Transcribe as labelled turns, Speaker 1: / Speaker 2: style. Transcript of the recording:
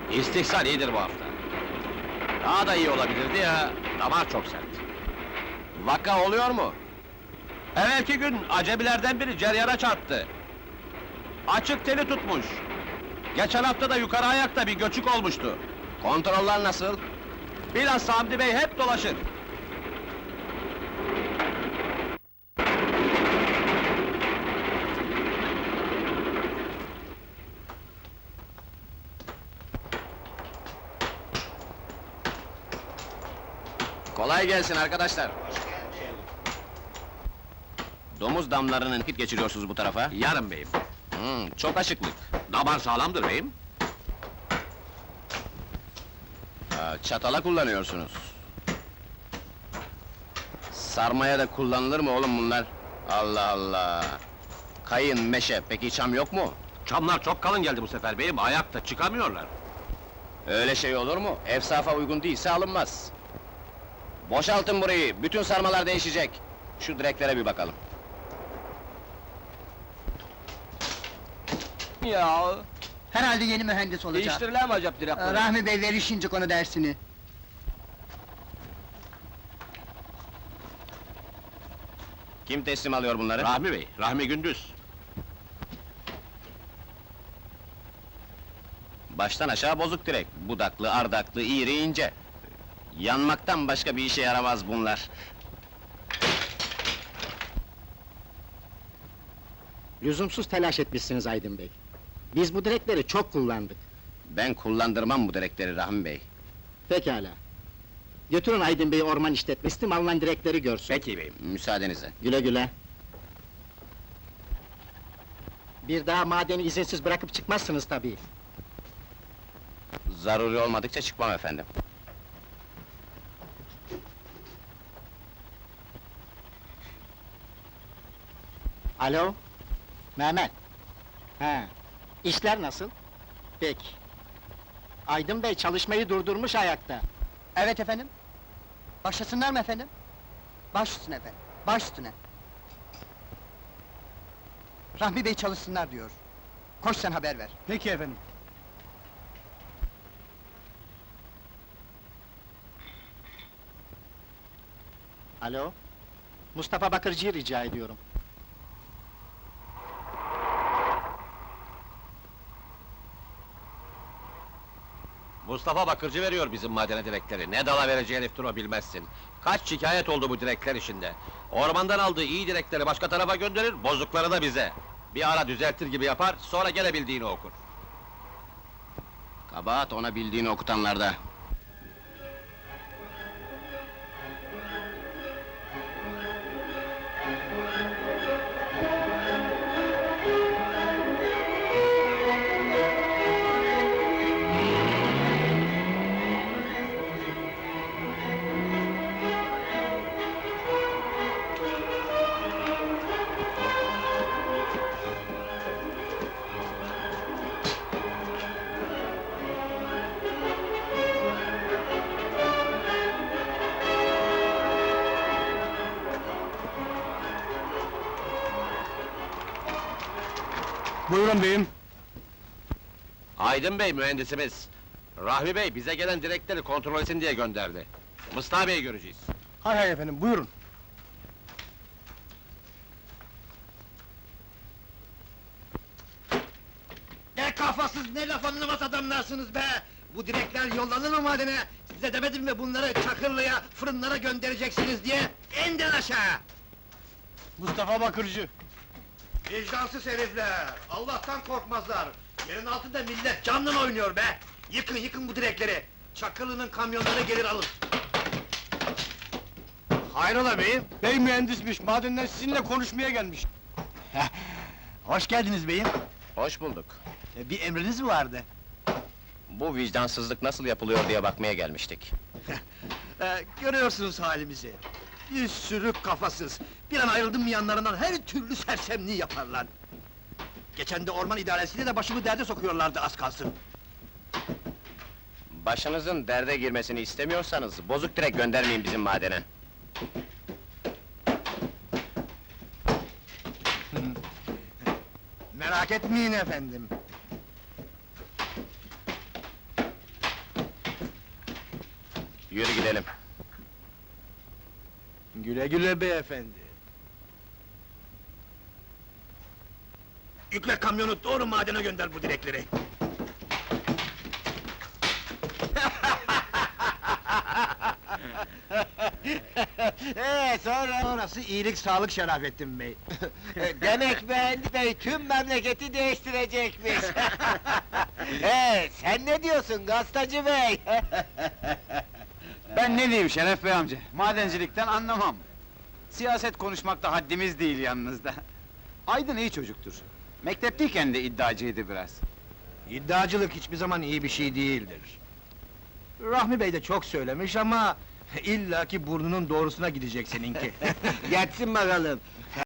Speaker 1: İstihsal iyidir bu hafta. Daha da iyi olabilirdi ya, damar çok sert. Vaka oluyor mu? Evvelki gün acemilerden biri ceryana çarptı. Açık teli tutmuş. Geçen hafta da yukarı ayakta bir göçük olmuştu. Kontroller nasıl? Bilhassa Hamdi Bey hep dolaşır. Kolay gelsin arkadaşlar. Domuz damlarının vakit geçiriyorsunuz bu tarafa.
Speaker 2: Yarın beyim.
Speaker 1: Çok aşıklık.
Speaker 2: Damar sağlamdır beyim.
Speaker 1: Çatala kullanıyorsunuz. Sarmaya da kullanılır mı oğlum bunlar? Allah Allah! Kayın, meşe, peki çam yok mu?
Speaker 2: Çamlar çok kalın geldi bu sefer beyim, ayakta çıkamıyorlar.
Speaker 1: Öyle şey olur mu? Efsafa uygun değilse alınmaz. Boşaltın burayı, bütün sarmalar değişecek. Şu direklere bir bakalım.
Speaker 3: Ya,
Speaker 4: Herhalde yeni mühendis olacak.
Speaker 3: değiştirilen mi acaba direkleri?
Speaker 4: Rahmi Bey verir şimdi konu dersini.
Speaker 1: Kim teslim alıyor bunları?
Speaker 2: Rahmi bey, Rahmi Gündüz.
Speaker 1: Baştan aşağı bozuk direk. Budaklı, ardaklı, iğri, ince. Yanmaktan başka bir işe yaramaz bunlar.
Speaker 5: Lüzumsuz telaş etmişsiniz Aydın Bey. Biz bu direkleri çok kullandık.
Speaker 1: Ben kullandırmam bu direkleri Rahmi Bey.
Speaker 5: Pekala. Götürün Aydın Bey'i orman işletmesi, alınan direkleri görsün.
Speaker 2: Peki beyim.
Speaker 1: Müsaadenizle.
Speaker 5: Güle güle. Bir daha madeni izinsiz bırakıp çıkmazsınız tabii.
Speaker 1: Zaruri olmadıkça çıkmam efendim.
Speaker 5: Alo? Mehmet? He. İşler nasıl? Peki. Aydın Bey çalışmayı durdurmuş ayakta.
Speaker 4: Evet efendim. Başlasınlar mı efendim? Baş üstüne efendim, baş üstüne. Rahmi Bey çalışsınlar diyor. Koş sen haber ver.
Speaker 3: Peki efendim.
Speaker 5: Alo? Mustafa Bakırcı'yı rica ediyorum.
Speaker 2: Mustafa Bakırcı veriyor bizim madene direkleri. Ne dala vereceği heriftir o bilmezsin. Kaç şikayet oldu bu direkler işinde. Ormandan aldığı iyi direkleri başka tarafa gönderir, bozukları da bize. Bir ara düzeltir gibi yapar, sonra gene bildiğini okur.
Speaker 1: Kabahat ona bildiğini okutanlarda.
Speaker 3: Buyurun beyim.
Speaker 2: Aydın Bey mühendisimiz. Rahmi Bey bize gelen direkleri kontrol etsin diye gönderdi. Mustafa Bey'i göreceğiz.
Speaker 3: Hay hay efendim, buyurun.
Speaker 6: Ne kafasız, ne laf anlamaz adamlarsınız be! Bu direkler yollanır mı madene? Size demedim mi bunları Çakırlı'ya, fırınlara göndereceksiniz diye? İndir aşağı!
Speaker 3: Mustafa Bakırcı.
Speaker 6: Vicdansız herifler! Allah'tan korkmazlar! Yerin altında millet canla oynuyor be! Yıkın, yıkın bu direkleri! Çakırlı'nın kamyonları gelir alır! Hayrola beyim?
Speaker 3: Bey mühendismiş, madenden sizinle konuşmaya gelmiş.
Speaker 6: Hoş geldiniz beyim!
Speaker 1: Hoş bulduk.
Speaker 6: Bir emriniz mi vardı?
Speaker 1: Bu vicdansızlık nasıl yapılıyor diye bakmaya gelmiştik.
Speaker 6: Görüyorsunuz halimizi! Bir sürü kafasız! Bir an ayrıldım mı yanlarından her türlü sersemliği yaparlar! Geçen de orman idaresiyle de başımı derde sokuyorlardı az kalsın!
Speaker 1: Başınızın derde girmesini istemiyorsanız, bozuk direk göndermeyin bizim madene.
Speaker 6: Merak etmeyin efendim!
Speaker 2: Yürü gidelim.
Speaker 3: Güle güle beyefendi.
Speaker 6: Yükle kamyonu doğru madene gönder bu direkleri.
Speaker 5: Sonra?
Speaker 6: Orası iyilik sağlık Şerafettin Bey.
Speaker 5: Demek Mühendis Bey tüm memleketi değiştirecekmiş. Sen ne diyorsun gazetacı bey?
Speaker 7: Ben ne diyeyim Şeref Bey amca, madencilikten anlamam. Siyaset konuşmakta haddimiz değil yalnızda. Aydın iyi çocuktur. Mektepteyken de iddiacıydı biraz.
Speaker 6: İddiacılık hiçbir zaman iyi bir şey değildir. Rahmi Bey de çok söylemiş ama illaki burnunun doğrusuna gidecek seninki.
Speaker 5: Geçsin bakalım.